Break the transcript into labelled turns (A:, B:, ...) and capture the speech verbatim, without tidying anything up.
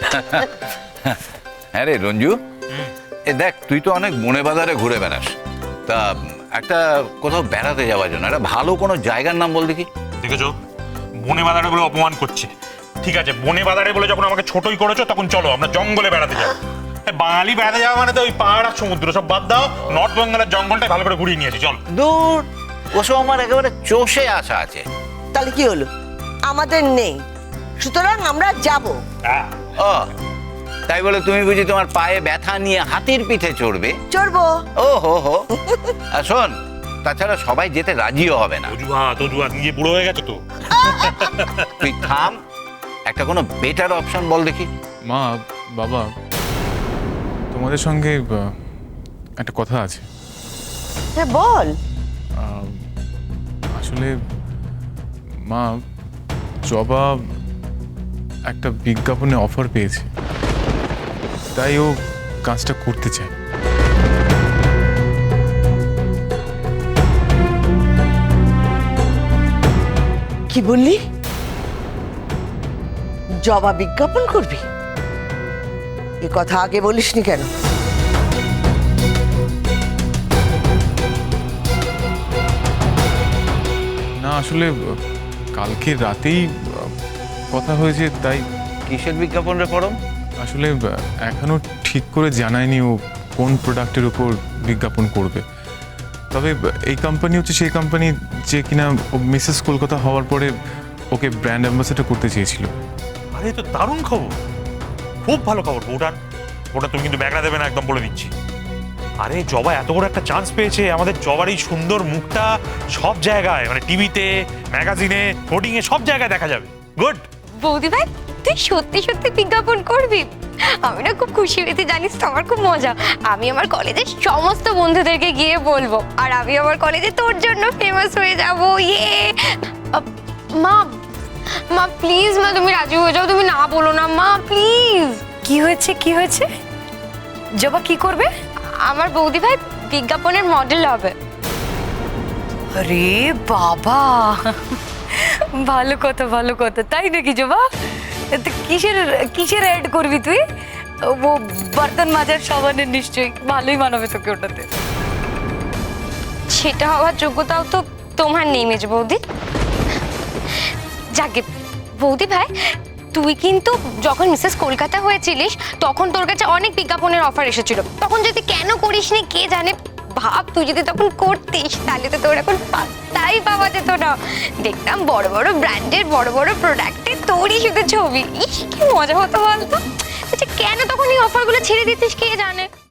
A: হ্যাঁ রে রঞ্জু, এ দেখ তুই তো অনেক বনে বাজারে ঘুরে বেড়াস, তা একটা কোথাও বেড়াতে যাওয়ার জন্য একটা ভালো কোনো জায়গার নাম বল দেখি।
B: দেখেছো বনে বাজারে বলে অপমান করছে। ঠিক আছে বনে বাজারে বলে যখন আমাকে ছোটই করেছো তখন চলো আমরা জঙ্গলে বেড়াতে যাবো। বাঙালি বেড়াতে যাওয়া মানে তো ওই পাহাড় আর সমুদ্র সব বাদ দাও, নর্থ বেঙ্গলের জঙ্গলটাই ভালো করে ঘুরিয়ে নিয়েছি চল।
A: দূর, ওসব আমার একেবারে চষে আসা আছে।
C: তাহলে কি হলো, আমাদের নেই, সুতরাং আমরা যাব।
A: ও তাই বলে তুমি বুঝি তোমার পায়ে ব্যথা নিয়ে হাতির পিঠে চড়বে?
C: চড়বো।
A: ও হো হো, আর শোন, তাছাড়া সবাই যেতে রাজিও হবে না।
B: অজুহা তজুহা নিজে বুড়ো হয়ে গেছো তো।
A: তুই থাম, একটা কোনো বেটার অপশন বল দেখি।
D: মা, বাবা, তোমাদের সঙ্গে আহ, একটা কথা আছে।
C: হ্যাঁ বল।
D: আহ, আসলে মা, জবা একটা বিজ্ঞাপনে অফার পেয়েছে, তাই ও কাজটা করতে চায়।
C: কি বললি, জবা বিজ্ঞাপন করবি? এ কথা আগে বলিসনি কেন?
D: না আসলে আহ, কালকে রাতেই আহ, কথা হয়েছে, তাই।
A: কিসের বিজ্ঞাপন রে পরম?
D: আসলে আহ, এখনো ঠিক করে জানায়নি ও কোন প্রোডাক্টের উপর বিজ্ঞাপন করবে। তবে আহ, এই কোম্পানি হচ্ছে সেই কোম্পানি যে কিনা ও মিসেস কলকাতা হওয়ার পরে ওকে ব্র্যান্ড অ্যাম্বাসেডর করতে চেয়েছিল।
B: আরে তো দারুণ খবর, খুব ভালো খবর বউটার। ওটা তুমি কিন্তু ব্যাগরা দেবে না একদম বলে দিচ্ছি। আরে জবা এত বড় একটা চান্স পেয়েছে, আমাদের জবার এই সুন্দর মুখটা সব জায়গায় মানে টিভিতে, ম্যাগাজিনে, হোর্ডিং এ সব জায়গায় দেখা যাবে। গুড।
E: বৌদি ভাই তুই সত্যি সত্যি বিজ্ঞাপন করবি? আমি না খুব খুশি হয়েছি, জানিস তো আমার খুব মজা। আমি আমার কলেজের সমস্ত বন্ধুদেরকে গিয়ে বলবো, আর আমি আমার কলেজে তোর জন্য ফেমাস হয়ে যাবো। ইয়ে মা, মা প্লিজ মা তুমি রাজি হয়ে যাও, তুমি না বলো না মা প্লিজ।
F: কি হয়েছে কি হয়েছে? জবা কি করবে?
E: আমার বৌদি ভাই বিজ্ঞাপনের মডেল হবে।
F: আরে বাবা, ভালো কথা ভালো কথা। তাই নাকি জবা? তো কিসের কিসের অ্যাড করবি তুই? ও বর্তন মাজার সাবানের, নিশ্চয়ই ভালোই মানাবে তোকে ওটাতে।
E: সেটা হওয়ার যোগ্যতাও তো তোমার নেই মেজ বৌদি। যাকে বৌদি ভাই, তুই কিন্তু যখন মিসেস কলকাতা হয়েছিলিস তখন তোর কাছে অনেক বিজ্ঞাপনের অফার এসেছিল, তখন যদি কেন করিসনি কে জানে। ভাব তুই যদি তখন করতিস তাহলে তো তোর এখন পাত্তাই পাওয়া যেত না। দেখতাম বড় বড় ব্র্যান্ডের বড় বড় প্রোডাক্টে তোরই শুধু ছবি। ইস কি মজা হতো বলতো। আচ্ছা কেন তখন এই অফারগুলো ছেড়ে দিতিস কে জানে।